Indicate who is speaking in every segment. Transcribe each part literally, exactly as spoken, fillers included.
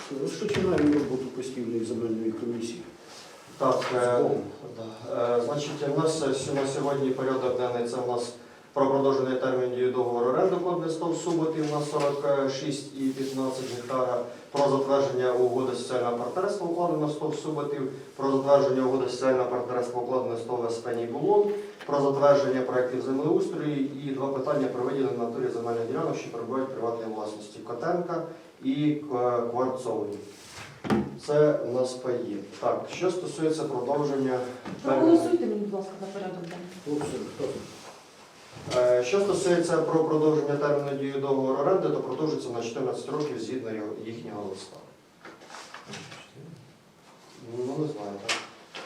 Speaker 1: Розпочинаємо роботу постійної земельної комісії.
Speaker 2: Так, е, да. е, значить, у нас на сьогодні порядок денний, це у нас про продовження терміну дії договору оренди код стов Суботів на сорок шість і п'ятнадцять гектара, про затвердження угоди соціального партнерства укладено стов Суботів, про затвердження угоди соціального партнерства укладено стов Еспеній Булон, про затвердження проєктів землеустрою і два питання про виділення в натурі земельних ділянок, що перебувають в приватній власності Котенка і Кварцової. Це у нас паї. Так, що стосується продовження...
Speaker 3: Проголосуйте мені, будь ласка, за порядок денний.
Speaker 2: Е, Що стосується про продовження терміну дії договору оренди, то продовжується на чотирнадцять років згідно його- їхнього листа. Ну, не знаю, так.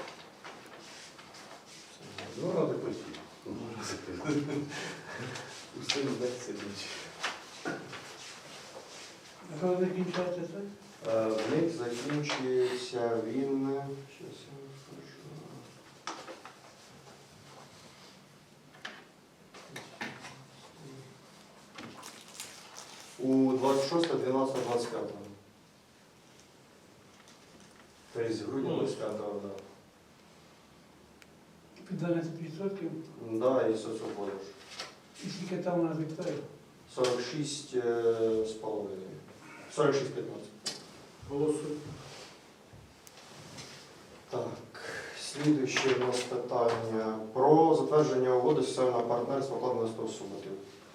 Speaker 4: Ну, ради постійно. Усе вдасться річ.
Speaker 5: А коли закінчується це?
Speaker 2: Е, В них закінчується він... Щас я вам скажу. У двадцять шосте дванадцяте двадцять п'яте. Тобто з грудня двадцять п'ятого, так.
Speaker 5: Під дванадцять відсотків.
Speaker 2: Да, і соцоподож.
Speaker 5: І скільки там у нас гектарів?
Speaker 2: сорок шість е, з половиною. сорок шість п'ятнадцять.
Speaker 1: Голосуй.
Speaker 2: Так, слідуюче у нас питання про затвердження угоди соціального партнерства укладеного з Суботів.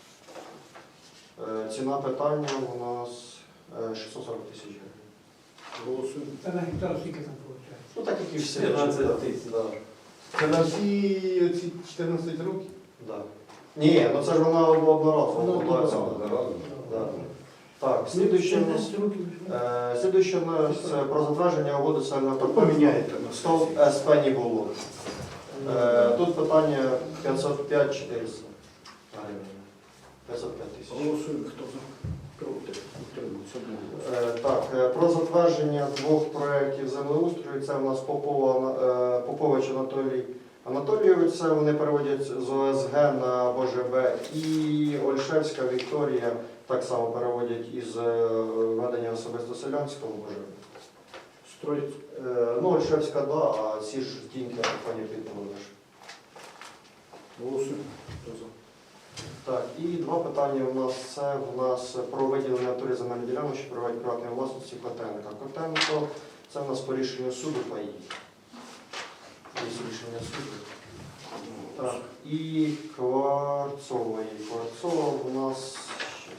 Speaker 2: Е, Ціна питання у нас е, шістсот сорок тисяч гривень.
Speaker 1: Голосуй.
Speaker 5: Це на гектар скільки там виходить?
Speaker 2: Ну так як і всі.
Speaker 4: п'ятнадцять тисяч.
Speaker 2: Да.
Speaker 4: Це на всі оці чотирнадцять років?
Speaker 2: Да. Ні, ну це ж вона одноразово.
Speaker 1: Вона
Speaker 2: оплачується.
Speaker 1: одноразово.
Speaker 2: Да. Так, слідуюче у нас,
Speaker 5: чотирнадцять років.
Speaker 2: е, слідуюче у нас е, про затвердження угоди соціального партнерства.
Speaker 1: Поміняєте на
Speaker 2: Стов
Speaker 1: сесії.
Speaker 2: СП не було. Е, Тут питання п'ятсот п'ять чотириста гривень. п'ятсот п'ять тисяч.
Speaker 1: Голосуємо. Хто за? Проти. Утримується одного.
Speaker 2: Е, Так, е, про затвердження двох проєктів землеустрою. Це у нас Попова, е, Попович Анатолій Анатолійович, це вони переводять з О С Г на Б Ж Б. І Ольшевська Вікторія так само переводять із е, ведення особисто селянського в Б Ж Б.
Speaker 1: Строїть.
Speaker 2: Е, Ну, Ольшевська, да, а ці ж тіньки, пані Підмовиш.
Speaker 1: Голосуємо. Хто за?
Speaker 2: Так, і два питання у нас. Це у нас про виділення натурі земельної ділянок, що перебувають в приватній власності Котенка. Котенко, це у нас по рішенню суду паї. Є рішення суду. Так, і Кварцової. Кварцова у нас щас,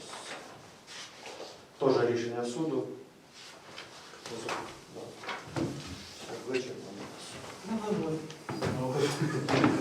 Speaker 2: теж рішення суду.
Speaker 1: Хто за?
Speaker 2: Да. Все, вичерпано.
Speaker 5: Ну, нормально.